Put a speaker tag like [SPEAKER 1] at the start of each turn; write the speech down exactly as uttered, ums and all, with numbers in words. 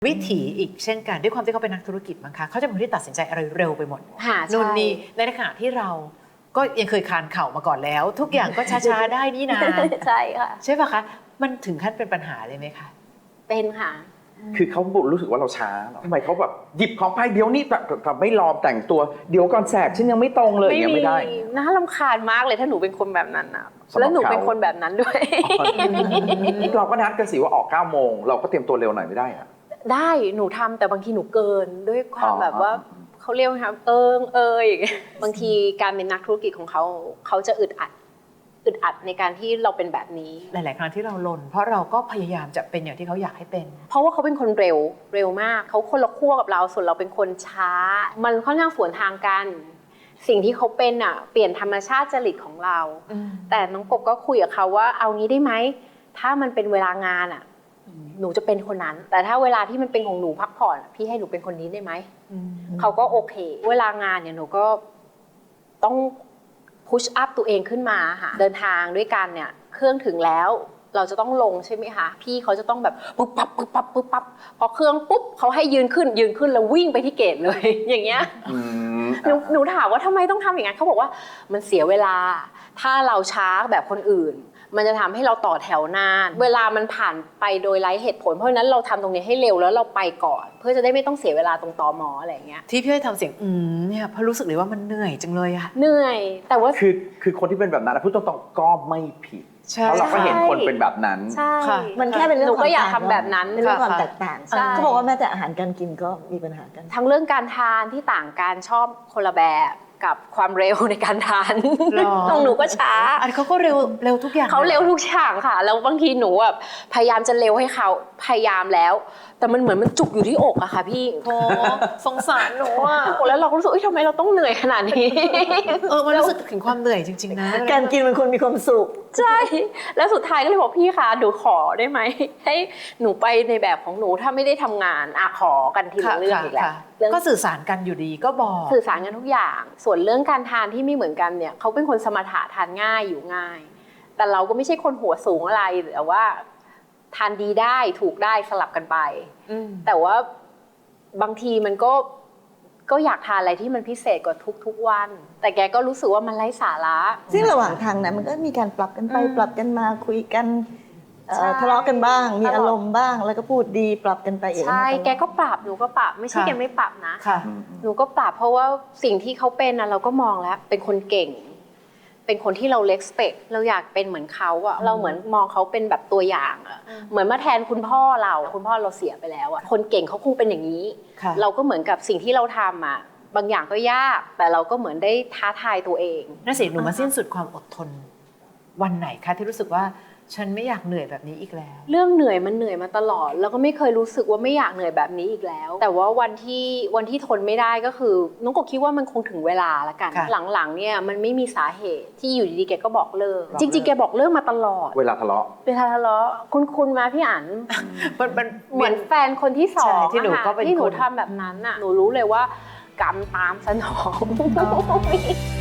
[SPEAKER 1] วิถีอีกเช่นกันด้วยความที่เขาเป็นนักธุรกิจมั้งคะเขาจะเป็นคนที่ตัดสินใจอะไรเร็วไปหมดนู่นนี่ในขณะที่เราก็ยังเคยคานเข่ามาก่อนแล้วทุกอย่างก็ช้าๆได้นี่นา
[SPEAKER 2] ใช่ค่ะ
[SPEAKER 1] ใช่ป่ะคะมันถึงขั้นเป็นปัญหาเลยไหมคะ
[SPEAKER 2] เป็นค่ะ
[SPEAKER 3] คือเขารู้สึกว่าเราช้าหรอทำไมเขาแบบหยิบของไปเดี๋ยวนี้แต่ไม่รอแต่งตัวเดี๋ยวก่อนแสกฉันยังไม่ตรงเลยอย่างไม่ได้
[SPEAKER 2] น่ารำคาญมากเลยถ้าหนูเป็นคนแบบนั้นนะแล้วหนูเป็นคนแบบนั้นด้วย
[SPEAKER 3] เราก็นัดกันสิว่าออกเก้าโมงเราก็เตรียมตัวเร็วหน่อยไม่ได้อะ
[SPEAKER 2] ได้หนูทำแต่บางทีหนูเกินด้วยความแบบว่าเขาเรียกว่าเอิงเอยบางทีการเป็นนักธุรกิจของเขาเขาจะอึดอัดอึดอัดในการที่เราเป็นแบบนี้
[SPEAKER 1] หลายๆครั้งที่เราลนเพราะเราก็พยายามจะเป็นอย่างที่เขาอยากให้เป็น
[SPEAKER 2] เพราะว่าเขาเป็นคนเร็วเร็วมากเขาคนละขั้วกับเราส่วนเราเป็นคนช้ามันค่อนข้างสวนทางกันสิ่งที่เขาเป็นอ่ะเปลี่ยนธรรมชาติจริตของเราแต่น้องกบก็คุยกับเขาว่าเอางี้ได้ไหมถ้ามันเป็นเวลางานอ่ะหนูจะเป็นคนนั้นแต่ถ้าเวลาที่มันเป็นของหนูพักผ่อนพี่ให้หนูเป็นคนนี้ได้ไหมเขาก็โอเคเวลางานเนี่ยหนูก็ต้องพุชอัพตัวเองขึ้นมาค่ะเดินทางด้วยกันเนี่ยเครื่องถึงแล้วเราจะต้องลงใช่ไหมคะพี่เขาจะต้องแบบปุ๊บปั๊บปุ๊บปั๊บปุ๊บปั๊บพอเครื่องปุ๊บเขาให้ยืนขึ้นยืนขึ้นแล้ววิ่งไปที่เกตเลยอย่างเงี้ยหนูหนูถามว่าทำไมต้องทำอย่างนั้นเขาบอกว่ามันเสียเวลาถ้าเราช้าแบบคนอื่นมันจะทำให้เราต่อแถวนานเวลามันผ่านไปโดยไร้เหตุผลเพราะฉะนั้นเราทำตรงนี้ให้เร็วแล้วเราไปก่อนเพื่อจะได้ไม่ต้องเสียเวลาตรงตม.อะไรอย่างเงี้ย
[SPEAKER 1] ที่พี่ให้ทำเสียงอืมเนี่ยเพราะรู้สึกเลยว่ามันเหนื่อยจังเลยอะ
[SPEAKER 2] เหนื่อยแต่ว่า
[SPEAKER 3] คือคือคนที่เป็นแบบนั้นพูดตรงๆก็ไม่ผิดเพราะเราก็เห็นคนเป็นแบบนั้น
[SPEAKER 2] ใช่
[SPEAKER 4] มันแค่เป็นเรื่อง
[SPEAKER 2] หนูก็อยากทำแบบนั้น
[SPEAKER 4] เป็นเรื่องความแตกต่างเขาบอกว่าแม้แต่อาหารการกินก็มีปัญหากัน
[SPEAKER 2] ทั้งเรื่องการทานที่ต่างกันชอบคนละแบบกับความเร็วในการทานน้องหนูก็ช้า
[SPEAKER 1] อันเขาก็เร็วเร็วทุกอย่าง
[SPEAKER 2] เขาเร็วทุกอย่างค่ะแล้วบางทีหนูแบบพยายามจะเร็วให้เขาพยายามแล้วแต่มันเหมือนมันจุกอยู่ที่อกอะค่ะพี่
[SPEAKER 1] โอ้สงสารหนูอะ
[SPEAKER 2] แล้วเราก็รู้สึกเอ้ยทำไมเราต้องเหนื่อยขนาดนี้
[SPEAKER 1] เออมันรู้สึกถึงความเหนื่อยจริงๆนะ
[SPEAKER 4] การกินมันควรมีความสุข
[SPEAKER 2] ใช่แล้วสุดท้ายก็เลยบอกพี่คะหนูขอได้ไหมให้หนูไปในแบบของหนูถ้าไม่ได้ทำงานอะขอกันทีละเรื่องอีกแล้ว
[SPEAKER 1] ก็สื่อสารกันอยู่ดีก็บอก
[SPEAKER 2] สื่อสารกันทุกอย่างส่วนเรื่องการทานที่ไม่เหมือนกันเนี่ยเขาเป็นคนสมถะทานง่ายอยู่ง่ายแต่เราก็ไม่ใช่คนหัวสูงอะไรแต่ว่าทานดีได้ถูกได้สลับกันไปแต่ว่าบางทีมันก็ก็อยากทานอะไรที่มันพิเศษกว่าทุกๆวันแต่แกก็รู้สึกว่ามันไร้สาระ
[SPEAKER 4] ซึ่งระหว่างทางนั้นมันก็มีการปรับกันไปปรับกันมาคุยกันทะเลาะกันบ้างมีอารมณ์บ้างแล้วก็พูดดีปรับกันไปเอง
[SPEAKER 2] ใช่แกก็ปรับหนูก็ปรับไม่ใช่แกไม่ปรับนะหนูก็ปรับเพราะว่าสิ่งที่เขาเป็นนะเราก็มองแล้วเป็นคนเก่งเป็นคนที่เราเล็กสเปกเราอยากเป็นเหมือนเขาอะเราเหมือนมองเขาเป็นแบบตัวอย่างอะเหมือนมาแทนคุณพ่อเราคุณพ่อเราเสียไปแล้วอะคนเก่งเขาคงเป็นอย่างนี้เราก็เหมือนกับสิ่งที่เราทำอะบางอย่างก็ยากแต่เราก็เหมือนได้ท้าทายตัวเอง
[SPEAKER 1] น่าสิหนูมาสิ้นสุดความอดทนวันไหนคะที่รู้สึกว่าฉันไม่อยากเหนื่อยแบบนี้อีกแล้ว
[SPEAKER 2] เรื่องเหนื่อยมันเหนื่อยมาตลอดแล้วก็ไม่เคยรู้สึกว่าไม่อยากเหนื่อยแบบนี้อีกแล้วแต่ว่าวันที่วันที่ทนไม่ได้ก็คือน้องกบคิดว่ามันคงถึงเวลาละกันหลังๆเนี่ยมันไม่มีสาเหตุที่อยู่ดีๆแกก็บอกเลิกจริงๆแกบอกเลิกมาตลอด
[SPEAKER 3] เวลาทะเลาะ
[SPEAKER 2] เวลาทะเลาะคุณคุณมาพี่อั๋นเหมือนแฟนคนที่สอง
[SPEAKER 1] ที่หนูก็เป็น
[SPEAKER 2] ที่หนูทำแบบนั้นน่ะหนูรู้เลยว่ากรรมตามสนอง